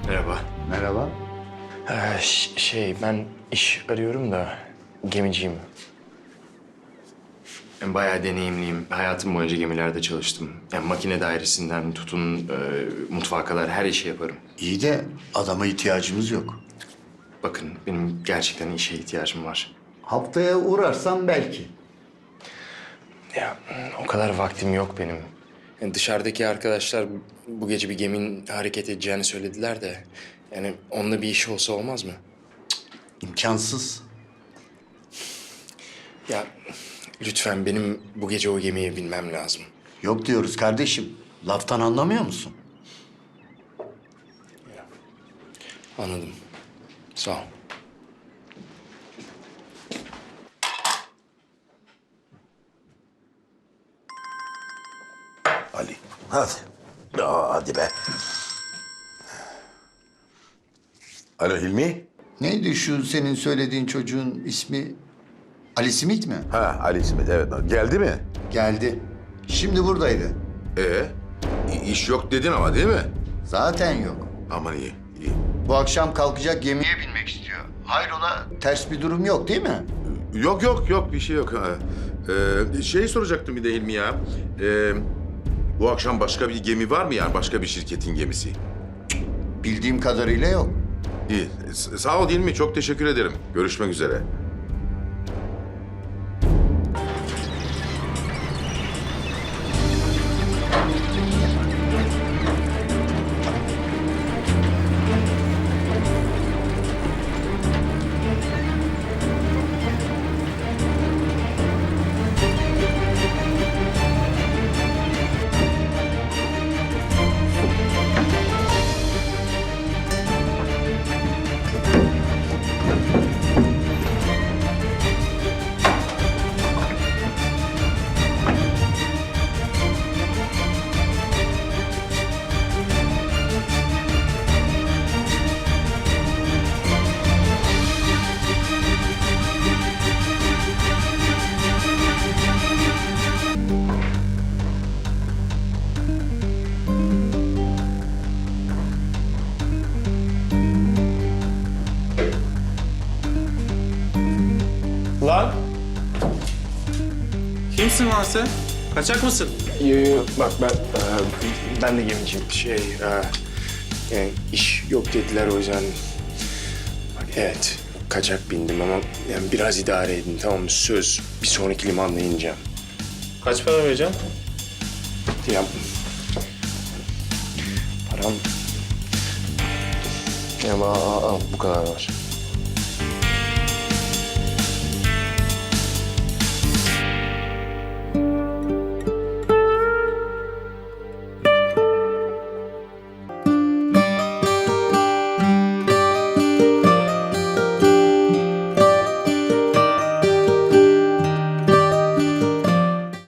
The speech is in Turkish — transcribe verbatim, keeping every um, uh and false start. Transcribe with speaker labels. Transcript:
Speaker 1: Merhaba.
Speaker 2: Merhaba.
Speaker 1: Ee, ş- şey, ben iş arıyorum da gemiciyim. Ben bayağı deneyimliyim. Hayatım boyunca gemilerde çalıştım. Yani makine dairesinden tutun, e, mutfağa kadar her işi yaparım.
Speaker 2: İyi de adama ihtiyacımız yok.
Speaker 1: Bakın, benim gerçekten işe ihtiyacım var.
Speaker 2: Haftaya uğrarsan belki.
Speaker 1: Ya, o kadar vaktim yok benim. Yani dışarıdaki arkadaşlar bu gece bir geminin hareket edeceğini söylediler de... Yani onunla bir iş olsa olmaz mı?
Speaker 2: İmkansız.
Speaker 1: Ya lütfen benim bu gece o gemiye binmem lazım.
Speaker 2: Yok diyoruz kardeşim. Laftan anlamıyor musun?
Speaker 1: Anladım. Sağ ol.
Speaker 3: Ali. Hadi. Aa, hadi be. Alo Hilmi.
Speaker 2: Neydi şu senin söylediğin çocuğun ismi? Ali Simit mi?
Speaker 3: Ha Ali İsmet evet. Geldi mi?
Speaker 2: Geldi. Şimdi buradaydı.
Speaker 3: Ee, i- iş yok dedin ama değil mi?
Speaker 2: Zaten yok.
Speaker 3: Aman iyi, iyi.
Speaker 2: Bu akşam kalkacak gemiye binmek istiyor. Hayrola ters bir durum yok değil mi?
Speaker 3: Yok yok yok bir şey yok. Ha. Ee, şey soracaktım bir de Hilmi ya. Ee, bu akşam başka bir gemi var mı yani başka bir şirketin gemisi?
Speaker 2: Bildiğim kadarıyla yok.
Speaker 3: İyi. S- sağ ol Hilmi çok teşekkür ederim. Görüşmek üzere.
Speaker 4: Lan! Kimsin lan sen? Kaçak mısın?
Speaker 1: Yo, yo, bak ben, e, ben de gemiciyim. Şey, e, yani iş yok dediler o yüzden. Bak evet, kaçak bindim ama yani biraz idare edin tamam mı? Söz, bir sonraki limanda ineceğim.
Speaker 4: Kaç para vereceğim?
Speaker 1: Ya, param... Ya, al, al, al, bu kadar var.